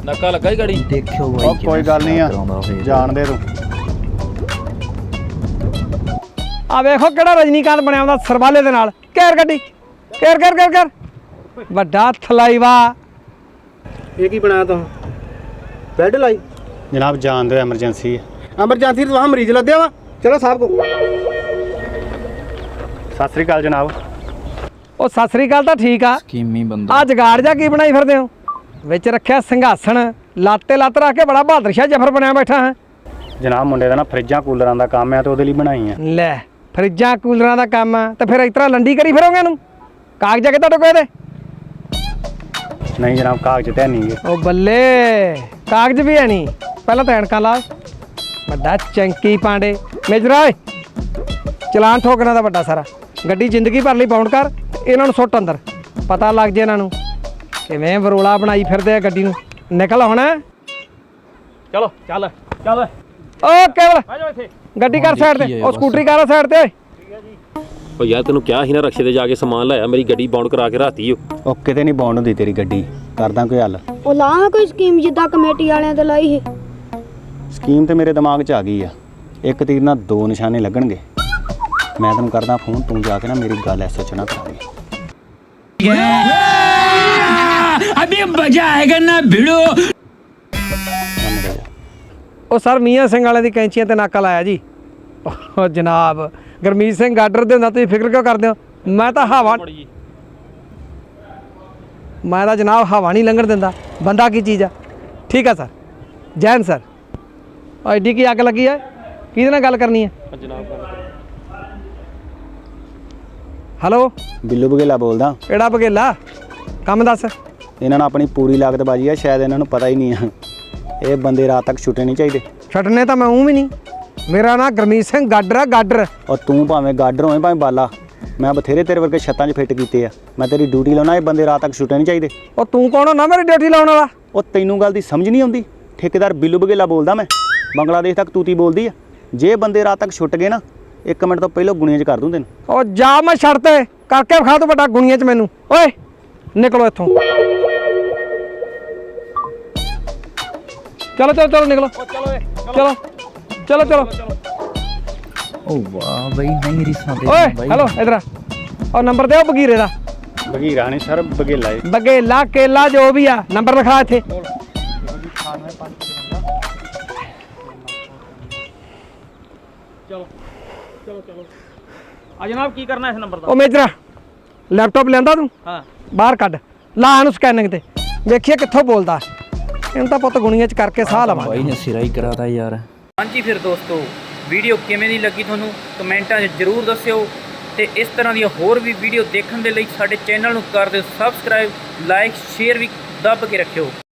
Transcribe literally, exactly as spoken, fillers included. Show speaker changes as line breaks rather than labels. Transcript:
ਨਾਕਾ ਲੱਗਾ ਹੀ ਗਾੜੀ
ਦੇਖਿਓ ਬਾਈ
ਉਹ ਕੋਈ ਗੱਲ ਨਹੀਂ ਆ ਜਾਣ ਦੇ ਤੂੰ।
ਆ ਵੇਖੋ ਕਿਹੜਾ ਰਜਨੀਕਾਂਤ ਬਣਿਆ ਹੁੰਦਾ ਸਰਬਾਲੇ ਦੇ ਨਾਲ। ਘੇਰ ਗੱਡੀ, ਘੇਰ ਘੇਰ ਘੇਰ ਘੇਰ। ਵੱਡਾ ਥਲਾਈਵਾ।
ਇਹ ਕੀ ਬਣਾਇਆ ਤੂੰ? ਬੈੱਡ ਲਾਈ
ਜਨਾਬ ਜਾਣ ਦਿਓ, ਐਮਰਜੈਂਸੀ ਹੈ।
ਐਮਰਜੈਂਸੀ ਤੋਂ ਵਹਾਂ ਮਰੀਜ਼ ਲੱਦਿਆ ਵਾ। ਚਲੋ ਸਾਹਿਬ ਕੋ।
ਸਤਿ ਸ੍ਰੀ ਅਕਾਲ ਜਨਾਬ।
ਉਹ ਸਤਿ ਸ੍ਰੀ ਅਕਾਲ ਤਾਂ ਠੀਕ ਆ।
ਸਕੀਮੀ ਬੰਦਾ
ਆ ਜਗਾੜ ਜਾ ਕੀ ਬਣਾਈ ਫਿਰਦੇ ਹੋ? ਵਿੱਚ ਰੱਖਿਆ ਸਿੰਘਾਸਣ, ਲਾਤੇ ਲੱਤ ਰੱਖ ਕੇ ਬੜਾ ਬਹਾਦਰ ਸ਼ਾਹ ਜਫਰ ਬਣਿਆ ਬੈਠਾ ਹੈ।
ਜਨਾਬ ਮੁੰਡੇ ਦਾ ਨਾ ਫਰਿੱਜਾਂ ਕੂਲਰਾਂ ਦਾ ਕੰਮ ਹੈ ਤੇ ਉਹਦੇ ਲਈ ਬਣਾਈ ਆ।
ਲੈ ਫਰਿੱਜਾਂ ਕੂਲਰਾਂ ਦਾ ਕੰਮ ਆ ਤੇ ਫਿਰ ਇਸ ਤਰ੍ਹਾਂ ਲੰਡੀ ਕਰੀ ਫਿਰੋਗੇ ਇਹਨੂੰ? ਕਾਗਜ਼ ਕਿ ਤੁਹਾਡੇ ਕੋਲ ਇਹਦੇ?
ਨਹੀਂ ਜਨਾਬ ਕਾਗਜ਼ ਤੇ ਨਹੀਂ ਗੇ।
ਉਹ ਬੱਲੇ ਕਾਗਜ਼ ਵੀ ਹੈ ਨਹੀਂ। ਪਹਿਲਾਂ ਤਾਂ ਐਨਕਾਂ ਲਾ। ਵੱਡਾ ਚੰਕੀ ਪਾਂਡੇ ਮੇਜਰਾ ਓਏ, ਚਲਾਨ ਠੋਕਣਾ ਦਾ ਵੱਡਾ ਸਾਰਾ। ਗੱਡੀ ਜ਼ਿੰਦਗੀ ਭਰ ਲਈ ਬਾਉਂਡ ਕਰ ਤੇ ਇਹਨਾਂ ਨੂੰ ਸੁੱਟ ਅੰਦਰ। ਪਤਾ ਲੱਗ ਜੇ ਇਹਨਾਂ ਨੂੰ ਕਿਵੇਂ ਬਰੋਲਾ ਬਣਾਈ ਫਿਰਦੇ ਆ ਗੱਡੀ ਨੂੰ। ਨਿਕਲ ਹੁਣ।
ਚਲੋ ਚੱਲ ਚੱਲ
ਓ ਕੇਵਲ
ਆ ਜਾਓ ਇੱਥੇ।
ਗੱਡੀ ਕਰ ਸਾਈਡ ਤੇ। ਉਹ ਸਕੂਟਰੀ ਕਰ ਸਾਈਡ ਤੇ ਓਏ।
ਓ ਯਾਰ ਤੈਨੂੰ ਕਿਹਾ ਸੀ ਨਾ ਰਕਸ਼ੇ ਤੇ ਜਾ ਕੇ ਸਮਾਨ ਲਾਇਆ, ਮੇਰੀ ਗੱਡੀ ਬਾਉਂਡ ਕਰਾ ਕੇ ਰਾਤੀ ਓ।
ਉਹ ਕਿਤੇ ਨਹੀਂ ਬੌਂਡ ਹੁੰਦੀ ਤੇਰੀ ਗੱਡੀ, ਕਰਦਾ ਕੋਈ ਹੱਲ।
ਉਹ ਲਾ ਕੋਈ ਸਕੀਮ ਜਿੱਦਾਂ ਕਮੇਟੀ ਵਾਲਿਆਂ ਤੇ ਲਾਈ ਸੀ।
ਸਕੀਮ ਤੇ ਮੇਰੇ ਦਿਮਾਗ 'ਚ ਆ ਗਈ ਆ। ਇੱਕ ਤੀਰ ਨਾਲ ਦੋ ਨਿਸ਼ਾਨੇ ਲੱਗਣਗੇ। ਮੈਂ ਤੈਨੂੰ ਕਰਦਾ ਫੋਨ, ਤੂੰ ਜਾ ਕੇ ਨਾ ਮੇਰੀ ਗੱਲ ਐਸੋ ਚ ਨਾ ਕਰਾ ਦੇ।
ਅਭੀ ਮਜ਼ਾ ਆਏਗਾ ਨਾ ਭਿੜੋ।
ਉਹ ਸਰ ਮੀਆਂ ਸਿੰਘ ਵਾਲੇ ਦੀ ਕੈਂਚੀਆਂ ਤੇ ਨਾਕਾ ਲਾਇਆ ਜੀ। ਉਹ ਜਨਾਬ ਗੁਰਮੀਤ ਸਿੰਘ ਗਾਡਰ ਦੇ ਹੁੰਦਾ, ਤੁਸੀਂ ਫਿਕਰ ਕਿਉਂ ਕਰਦੇ ਹੋ? ਮੈਂ ਤਾਂ ਹਵਾ ਮੈਂ ਤਾਂ ਜਨਾਬ ਹਵਾ ਨਹੀਂ ਲੰਘਣ ਦਿੰਦਾ। ਬੰਦਾ ਕੀ ਚੀਜ਼ ਆ? ਠੀਕ ਆ ਸਰ। ਜੈਨ ਸਰ। ਉਹ ਐਡੀ ਕੀ ਅੱਗ ਲੱਗੀ ਹੈ? ਕਿਹਦੇ ਨਾਲ ਗੱਲ ਕਰਨੀ ਹੈ? ਹੈਲੋ
ਬਿੱਲੂ ਬਗੇਲਾ ਬੋਲਦਾ।
ਕਿਹੜਾ ਬਗੇਲਾ? ਕੰਮ ਦੱਸ।
ਇਹਨਾਂ ਨੂੰ ਆਪਣੀ ਪੂਰੀ ਲਾਗਤ ਬਾਜੀ ਆ, ਸ਼ਾਇਦ ਇਹਨਾਂ ਨੂੰ ਪਤਾ ਹੀ ਨਹੀਂ ਆ। ਇਹ ਬੰਦੇ ਰਾਤ ਤੱਕ ਛੁੱਟੇ ਨਹੀਂ ਚਾਹੀਦੇ।
ਛੱਡਨੇ ਤਾਂ ਮੈਂ ਊਂ ਵੀ ਨਹੀਂ। ਮੇਰਾ ਨਾਂ ਗੁਰਮੀਤ ਸਿੰਘ ਗਾਡਰ ਆ, ਗਾਡਰ।
ਔਰ ਤੂੰ ਭਾਵੇਂ ਗਾਡਰ ਹੋਵੇਂ ਭਾਵੇਂ ਬਾਲਾ, ਮੈਂ ਬਥੇਰੇ ਤੇਰੇ ਵਰਗੇ ਛੱਤਾਂ 'ਚ ਫਿੱਟ ਕੀਤੇ ਆ। ਮੈਂ ਤੇਰੀ ਡਿਊਟੀ ਲਾਉਣਾ, ਇਹ ਬੰਦੇ ਰਾਤ ਤੱਕ ਛੁੱਟੇ ਨਹੀਂ ਚਾਹੀਦੇ।
ਉਹ ਤੂੰ ਕੌਣ ਹੁੰਦਾ ਮੇਰੀ ਡਿਊਟੀ ਲਾਉਣ ਵਾਲਾ?
ਉਹ ਤੈਨੂੰ ਗੱਲ ਦੀ ਸਮਝ ਨਹੀਂ ਆਉਂਦੀ? ਠੇਕੇਦਾਰ ਬਿੱਲੂ ਬਗੇਲਾ ਬੋਲਦਾ ਮੈਂ। ਬੰਗਲਾਦੇਸ਼ ਤੱਕ ਤੂਤੀ ਬੋਲਦੀ ਆ। ਜੇ ਬੰਦੇ ਰਾਤ ਤੱਕ ਛੁੱਟ ਗਏ ਨਾ, ਇੱਕ ਮਿੰਟ ਤੋਂ ਪਹਿਲਾਂ ਗੁਣੀਆਂ 'ਚ ਕਰ ਦੂੰ ਤੈਨੂੰ।
ਉਹ ਜਾ ਮੈਂ ਛੱਡ ਤੇ ਕਰਕੇ ਵਿਖਾ ਤੂੰ ਵੱਡਾ ਗੁਣੀਆਂ 'ਚ ਮੈਨੂੰ। ਓਏ ਨਿਕਲੋ ਇੱਥੋਂ। ਚਲੋ ਚਲੋ ਚਲੋ ਨਿਕਲੋ। ਚਲੋ ਚਲੋ ਚਲੋ।
ਓ ਵਾਹ ਬਈ ਨਹੀਂ ਰਿਸਾਂ ਤੇ
ਓਏ
ਬਾਈ।
ਹੈਲੋ ਇਧਰ ਆ। ਉਹ ਨੰਬਰ ਦਿਓ ਬਗੀਰੇ ਦਾ।
ਬਗੀਰਾ ਨਹੀਂ ਸਰ, ਬਗੇਲਾ ਏ।
ਬਗੇਲਾ ਕੇਲਾ ਜੋ ਵੀ ਆ, ਨੰਬਰ ਲਿਖਾ ਇੱਥੇ।
ਚਲੋ ਚਲੋ ਚਲੋ ਆ ਜਨਾਬ, ਕੀ ਕਰਨਾ ਇਸ ਨੰਬਰ ਦਾ?
ਉਹ ਮੇਜਰਾ ਲੈਪਟਾਪ ਲੈਂਦਾ ਤੂੰ?
ਹਾਂ
ਬਾਹਰ ਕੱਢ ਲਾ ਇਹਨੂੰ ਸਕੈਨਿੰਗ ਤੇ। ਵੇਖੀਏ ਕਿੱਥੋਂ ਬੋਲਦਾ। ਇਹਨੂੰ ਤਾਂ ਪੁੱਤ ਗੁਣੀਆਂ 'ਚ ਕਰਕੇ ਸਾਹ ਲਵਾਂਗੇ।
ਬਾਈ ਨੇ ਸਿਰਾ ਹੀ ਕਰਾਤਾ ਯਾਰ।
ਹਾਂਜੀ ਫਿਰ ਦੋਸਤੋ, ਵੀਡੀਓ ਕਿਵੇਂ ਦੀ ਲੱਗੀ ਤੁਹਾਨੂੰ ਕਮੈਂਟਾਂ 'ਚ ਜ਼ਰੂਰ ਦੱਸਿਓ ਤੇ ਇਸ ਤਰ੍ਹਾਂ ਦੀਆਂ ਹੋਰ ਵੀ ਵੀਡੀਓ ਦੇਖਣ ਦੇ ਲਈ ਸਾਡੇ ਚੈਨਲ ਨੂੰ ਕਰ ਦਿਓ ਸਬਸਕ੍ਰਾਈਬ, ਲਾਈਕ, ਸ਼ੇਅਰ ਵੀ ਦੱਬ ਕੇ ਰੱਖਿਓ।